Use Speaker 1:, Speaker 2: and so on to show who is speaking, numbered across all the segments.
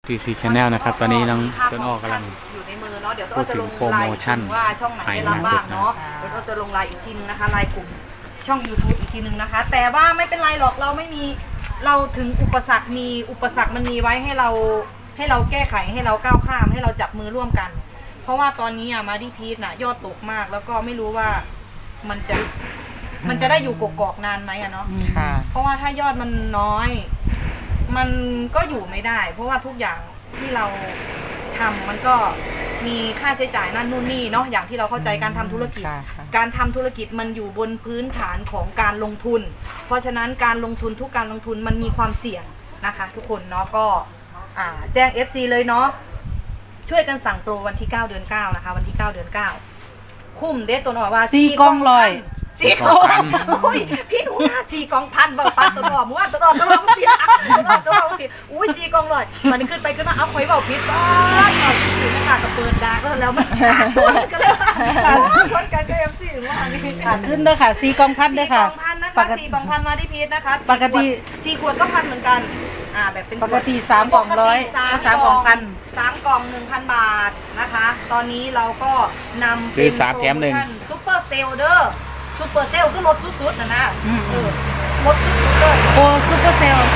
Speaker 1: TC Channel นะครับตอนนี้น้องต้นอ้อกำลัง
Speaker 2: อยู่ในมือเนาะเดี๋ยว
Speaker 1: พูดถึงโปรโมชั่น
Speaker 2: ว่าช่องไหนได้รับบ้างเนาะเดี๋ยวเราจะลงไลน์อีกทีนึงนะคะไลน์กลุ่มช่อง YouTube อีกทีนึงนะคะแต่ว่าไม่เป็นไรหรอกเราไม่มีเราถึงอุปสรรคมีอุปสรรคมันมีไว้ให้เราแก้ไขให้เราก้าวข้ามให้เราจับมือร่วมกัน เพราะว่าตอนนี้มาดิพีทน่ะยอดตกมากแล้วก็ไม่รู้ว่ามันจะได้อยู่กกอกนานไหมอะเนาะเพราะว่าถ้ายอดมันน้อยมันก็อยู่ไม่ได้ เพราะว่าทุกอย่างที่เราทำมันก็มีค่าใช้จ่ายนั่นนู่นนี่เนาะอย่างที่เราเข้าใจการทำธุรกิจการทำธุรกิจมันอยู่บนพื้นฐานของการลงทุนเพราะฉะนั้นการลงทุนทุกการลงทุนมันมีความเสี่ยงนะคะทุกคนเนาะก็แจ้ง FC เลยเนาะช่วยกันสั่งโปรวันที่ 9 เดือน 9 นะคะวันที่ 9 เดือน 9 คุ้มเด็ดตัวหน่อยว่า4 กล่องร้อย4 กล่องพันโอ้ยพี่หนูนะ4 กล่องพันบอกปันตัวหน่อม้วนตัวหน่อตัวหน่อเสียตัวหน่อเสียอุ้ย4 กล่องร้อยมันขึ้นไปขึ้นมาเอาข่อยเบาพิษบ้างเอาสินะคะกับเปิดดาก็แล้วมันก็เลยคนกันก็ FC ว่านี่
Speaker 3: ขึ้นด้วยค่ะ4 กล่องพันด้วยค่ะ
Speaker 2: 4 กล่องพันนะคะ4 กล่องพันมาที่พีชนะคะปกติ4 ขวดก็พันเหมือนกันแบบเป็น
Speaker 3: ปกติ3 กล่องร้อย3 กล่องพัน
Speaker 2: 3 กล่อง 1,000 บาทนะคะตอนนี้เราก็นำ
Speaker 1: ซื้อ3 แถม 1
Speaker 2: ซุปเปอร์เซลเดอร์ซุปเปอร์เซลก็ลดสุดๆนะลดสุดๆเลย
Speaker 3: โอ้ซุปเปอร์เซล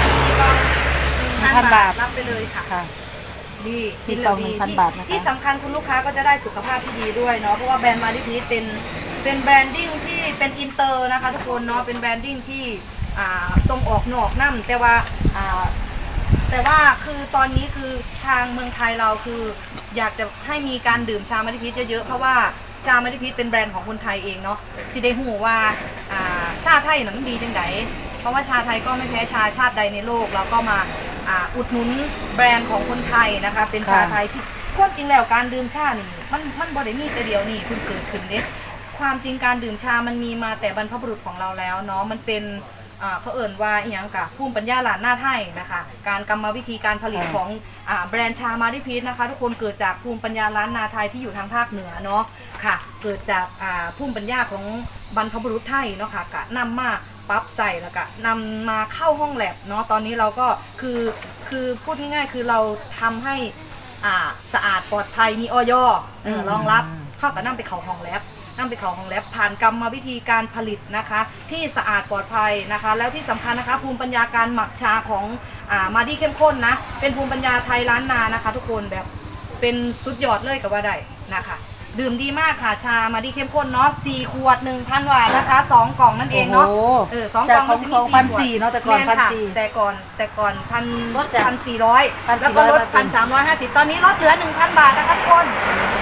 Speaker 2: 1,000 บาทรับไปเลยค่ะดี
Speaker 3: ที่กล่อง 1,000 บาทนะคะ
Speaker 2: ที่สำคัญคุณลูกค้าก็จะได้สุขภาพที่ดีด้วยเนาะเพราะว่าแบรนด์มาดิพีทเป็นแบรนดิ้งที่เป็นอินเตอร์นะคะทุกคนเนาะเป็นแบรนดิ้งที่ส่งออกนอกนั่นแต่ว่าคือตอนนี้คือทางเมืองไทยเราคืออยากจะให้มีการดื่มชามาดิพีชเยอะๆเพราะว่าชามาดิพีชเป็นแบรนด์ของคนไทยเองเนาะสิได้หูว่าชาไทยน่ะมันดีจังไดเพราะว่าชาไทยก็ไม่แพ้ชาชาติใดในโลกเราก็มาอุดหนุนแบรนด์ของคนไทยนะคะเป็นชาไทยที่ความจริงแล้วการดื่มชานี่มันบ่ได้มีแต่เดียวนี่เพิ่งเกิดขึ้นเด้ความจริงการดื่มชามันมีมาแต่บรรพบุรุษของเราแล้วเนาะมันเป็นเขาเอ่ยว่าอีหยังกะภูมิปัญญาล้านนาไทยนะคะการกรรมวิธีการผลิตของแบรนด์ชามาดิพีชนะคะทุกคนเกิดจากภูมิปัญญาล้านนาไทยที่อยู่ทางภาคเหนือเนาะค่ะเกิดจากภูมิปัญญาของบรรพบุรุษไทยเนาะค่ะกะนำมาปรับใส่แล้วก็นำมาเข้าห้องแลบเนาะตอนนี้เราก็คือพูดง่ายๆคือเราทำให้สะอาดปลอดภัยมีออยรองรับเข้ากับนำไปเข้าห้องแลบผ่านกรรมวิธีการผลิตนะคะที่สะอาดปลอดภัยนะคะแล้วที่สำคัญนะคะภูมิปัญญาการหมักชาของมาดีเข้มข้นนะเป็นภูมิปัญญาไทยล้านนานะคะทุกคนแบบเป็นสุดยอดเลยกับว่าได้นะคะดื่มดีมากค่ะชามาดีเข้มข้นเนาะ4 ขวด 1,000 บาทนะคะ2 กล่องนั่นเองเนาะ2 กล่องมันจะมี4 ขวด
Speaker 3: เนาะแต่ก่อน1,400
Speaker 2: แต่ก่อน1,400แล้วก็ลด 1,350 ตอนนี้ลดเหลือ 1,000 บาทนะคะทุกคน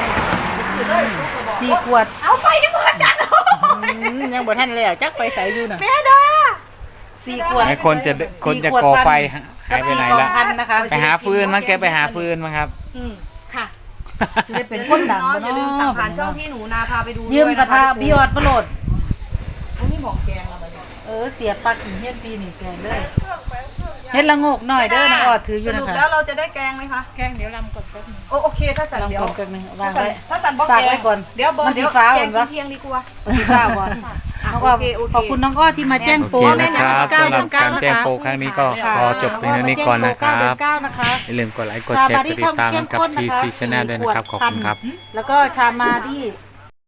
Speaker 3: 4 ขวด
Speaker 2: เอาไฟยังเหมือนกัน
Speaker 3: ยังบ่ทันแล้วจักไปใส่อยู่น่ะ
Speaker 2: แม่ดา
Speaker 3: 4 ขวด
Speaker 1: คนจะก่อไฟหายไปไหนแล้วไปหาฟืนมั้งแกไปหาฟืนมั้งครับ
Speaker 2: ค่ะ
Speaker 3: จะได้เป็นคนดัง
Speaker 2: อย่าลืมสั่งผ่านช่องพี่หนูนาพาไปดู
Speaker 3: ยืมกระทะพี่ยอดประโหลด
Speaker 2: นี่หมอกแกงเรา
Speaker 3: เสียปักหินเฮ็ดปีนี่แกงเลยเฮ็ดละงกหน่อยเด้อนะออดถืออยู่นะคะ
Speaker 2: สรุปแล้วเราจะได้แกงไหมคะ
Speaker 3: แกงเดี๋ยวลำก่อนแป๊บนึง
Speaker 2: โอเคถ้าสั่นเดี๋ยว
Speaker 3: วางไว้
Speaker 2: ถ้าสั่นบอกแกง
Speaker 3: ก่อน
Speaker 2: เดี๋ยวแกงเที่ยงดีกว่า
Speaker 3: สีฟ้าก่อนขอบคุณน้องอ้อที่มาแจ้งโปร
Speaker 1: นะครับสำหรับการแจ้งโปรครั้งนี้ก็ขอจบเพียงเท่านี้ก่อนนะครับอย่าลืมกดไลค์กดแชร์กดติดตามกับ TC Channel ด้วยนะครับขอบคุณครับ
Speaker 3: แล้วก็ชามาที่